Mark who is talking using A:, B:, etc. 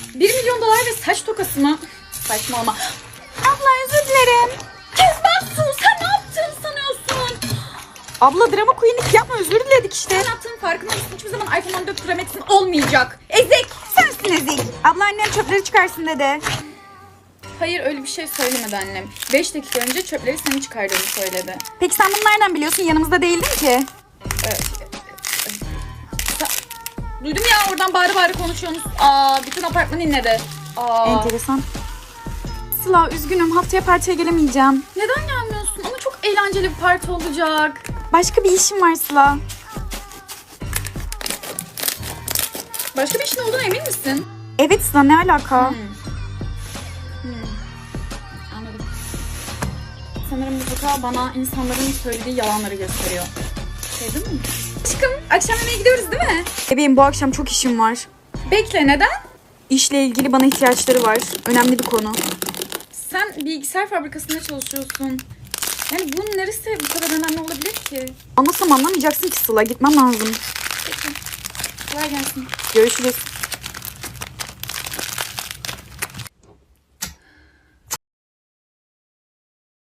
A: 1 milyon dolar ve saç tokası mı? Saçmalama.
B: Abla özür dilerim.
A: Kezbansın, sen ne yaptığını sanıyorsun?
B: Abla drama queenlik yapma, özür diledik işte.
A: Sen yaptığın farkında mısın? Hiçbir zaman iPhone 14 Pro Max'in olmayacak. Ezik!
B: Sensin ezik. Abla annem çöpleri çıkarsın dedi.
A: Hayır, öyle bir şey söylemedi annem. 5 dakika önce çöpleri senin çıkardığını söyledi.
B: Peki sen bunu nereden biliyorsun? Yanımızda değildin ki.
A: Duydum ya, oradan bağırı bağırı konuşuyorsunuz. Bütün apartman inledi.
B: Enteresan. Sıla üzgünüm, haftaya partiye gelemeyeceğim.
A: Neden gelmiyorsun? Ama çok eğlenceli bir parti olacak.
B: Başka bir işim var Sıla.
A: Başka bir işin olduğuna emin misin?
B: Evet Sıla, ne alaka?
A: Anladım. Sanırım müzikal bana insanların söylediği yalanları gösteriyor. Değil mi? Aşkım, akşam yemeğe gidiyoruz değil mi?
B: Bebeğim bu akşam çok işim var.
A: Bekle, neden?
B: İşle ilgili bana ihtiyaçları var. Önemli bir konu.
A: Sen bilgisayar fabrikasında çalışıyorsun. Yani bunun neresi bu kadar önemli olabilir ki?
B: Anlasam anlamayacaksın ki Sıla. Gitmem lazım.
A: Peki. Kolay gelsin.
B: Görüşürüz.